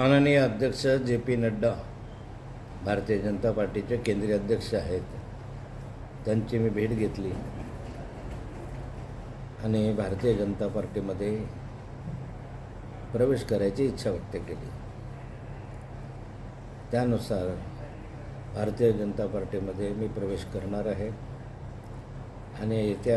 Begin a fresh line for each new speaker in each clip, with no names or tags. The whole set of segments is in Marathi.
माननीय अध्यक्ष जे.पी. नड्डा भारतीय जनता पार्टीचे केंद्रीय अध्यक्ष आहेत, त्यांची मी भेट घेतली आणि भारतीय जनता पार्टीमध्ये प्रवेश करायची इच्छा व्यक्त केली. त्यानुसार भारतीय जनता पार्टीमध्ये मी प्रवेश करणार आहे आणि येत्या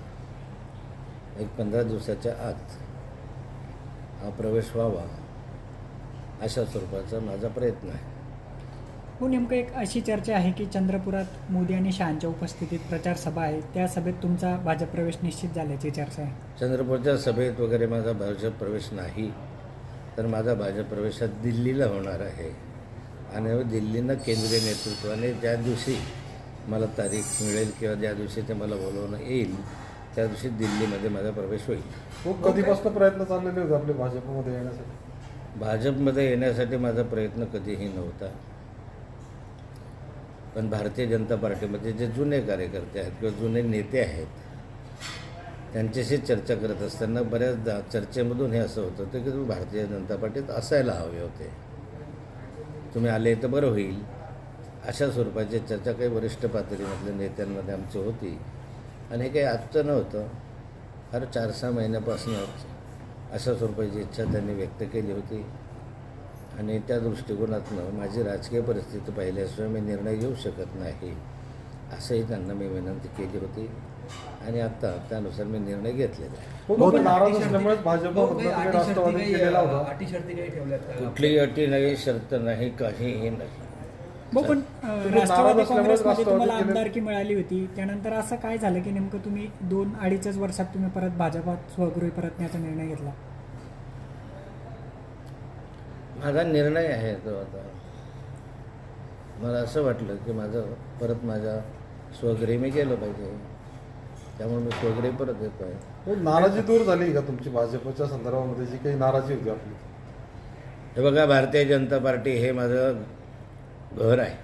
15 दिवसाच्या आत हा प्रवेश व्हावा अशा स्वरूपाचा माझा प्रयत्न आहे.
हो, नेमकं एक अशी चर्चा आहे की चंद्रपुरात मोदी आणि शहांच्या उपस्थितीत प्रचार सभा आहे, त्या सभेत तुमचा भाजप प्रवेश निश्चित झाल्याची चर्चा आहे.
चंद्रपूरच्या सभेत वगैरे माझा भाजप प्रवेश नाही, तर माझा भाजप प्रवेश दिल्लीला होणार आहे आणि दिल्लीनं केंद्रीय नेतृत्वाने ज्या दिवशी मला तारीख मिळेल किंवा ज्या दिवशी ते मला बोलवणं येईल त्या दिवशी दिल्लीमध्ये माझा प्रवेश होईल.
खूप कधीपासून प्रयत्न चाललेले होते आपले भाजपमध्ये येण्यासाठी?
भाजपमध्ये येण्यासाठी माझा प्रयत्न कधीही नव्हता, पण भारतीय जनता पार्टीमध्ये जे जुने कार्यकर्ते आहेत किंवा जुने नेते आहेत त्यांच्याशी चर्चा करत असताना बऱ्याचदा चर्चेमधून हे असं होतं की तुम्ही भारतीय जनता पार्टीत असायला हवे होते, तुम्ही आले तर बरं होईल, अशा स्वरूपाची चर्चा काही वरिष्ठ पातळीमधल्या नेत्यांमध्ये आमची होती. आणि हे काही आजचं नव्हतं, फार 4-6 महिन्यापासूनच अशा स्वरूपाची इच्छा त्यांनी व्यक्त केली होती आणि त्या दृष्टिकोनातून माझी राजकीय परिस्थिती पाहिल्याशिवाय मी निर्णय घेऊ शकत नाही असंही त्यांना मी विनंती केली होती आणि आता त्यानुसार मी निर्णय घेतलेला आहे.
नाराज असल्यामुळे भाजपमध्ये राष्ट्रवादी केलेला होता.
अटी शर्ती काही ठेवल्यात का?
कुठलीही अटी नाही, शर्त नाही, काहीही नाही.
हो, पण राष्ट्रवादी काँग्रेसमध्ये तुम्हाला
केले-
आमदारकी मिळाली होती, त्यानंतर असं काय झालं की नेमकं तुम्ही 2-2.5 वर्षात तुम्ही परत भाजपात स्वगृही परतण्याचा निर्णय घेतला?
माझा निर्णय आहे तो. आता मला असं वाटलं की माझ्या स्वगृही मी गेलं पाहिजे, त्यामुळे मी स्वगृही परत येतो आहे.
नाराजी दूर झाली का तुमची भाजपच्या संदर्भामध्ये जी काही नाराजी होती आपली?
हे बघा, भारतीय जनता पार्टी हे माझं घर आहे.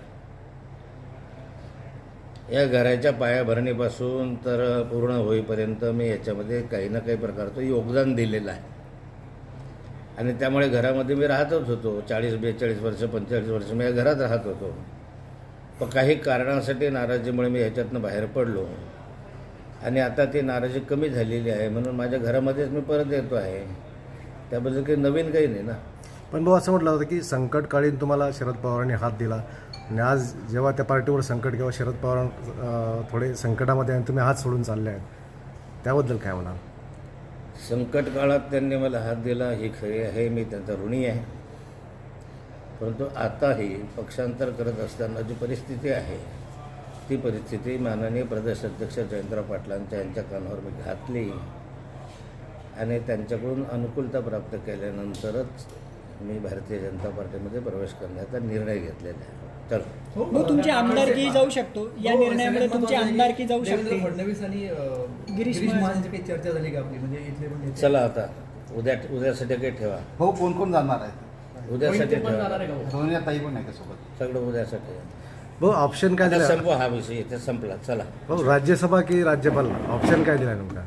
या घराच्या पायाभरणीपासून तर पूर्ण होईपर्यंत मी याच्यामध्ये काही ना काही प्रकारचं योगदान दिलेलं आहे आणि त्यामुळे घरामध्ये मी राहतच होतो. 40-42 वर्ष 45 वर्ष मी या घरात राहत होतो. पण काही कारणासाठी नाराजीमुळे मी ह्याच्यातनं बाहेर पडलो आणि आता ती नाराजी कमी झालेली आहे म्हणून माझ्या घरामध्येच मी परत येतो आहे. त्याबद्दल काही नवीन काही नाही ना.
पण भाऊ, असं म्हटलं होतं की संकटकाळीन तुम्हाला शरद पवारांनी हात दिला आणि आज जेव्हा त्या पार्टीवर संकट किंवा शरद पवार थोडे संकटामध्ये आणि तुम्ही हात सोडून चालले आहेत, त्याबद्दल काय म्हणाल?
संकट काळात त्यांनी मला हात दिला ही खरी आहे, मी त्यांचा ऋणी आहे. परंतु आताही पक्षांतर करत असताना जी परिस्थिती आहे ती परिस्थिती माननीय प्रदेश अध्यक्ष जयंतराव पाटलांच्या यांच्या कानावर मी घातली आणि त्यांच्याकडून अनुकूलता प्राप्त केल्यानंतरच मी भारतीय जनता पार्टीमध्ये प्रवेश करण्याचा निर्णय घेतलेला आहे. चलो,
हो, तुमची आमदारकी जाऊ शकतो, या निर्णयामुळे तुमची आमदारकी जाऊ
देवेंद्र
शकते.
फडणवीस आणि
गिरीश
गिरीश
महाजन
महाजनची काही चर्चा झाली का आपली? म्हणजे इथले पण नेते.
चला आता उद्यासाठी काही ठेवा,
हो, कोण कोण जाणार आहेत?
उद्यासाठी
मोहिते पण
ठेवा,
जाणार आहे का हो?
सोनिया ताई पण आहे का सोबत?
सगळं उद्यासाठी.
भाऊ, ऑप्शन काय
आता
दिला?
संपवा हा विषय, इथे संपला. चला,
भाऊ, राज्यसभा की राज्यपाल, ऑप्शन काय दिला नेमका?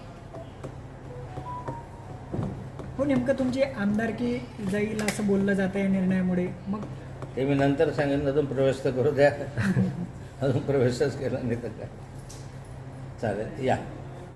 हो, नेमकं तुमची आमदारकी जाईल असं बोललं जातं या निर्णयामुळे, मग
ते मी नंतर सांगेन. अजून प्रवेश तर करू द्या. अजून प्रवेशच केला नाही तर काय. चालेल, या.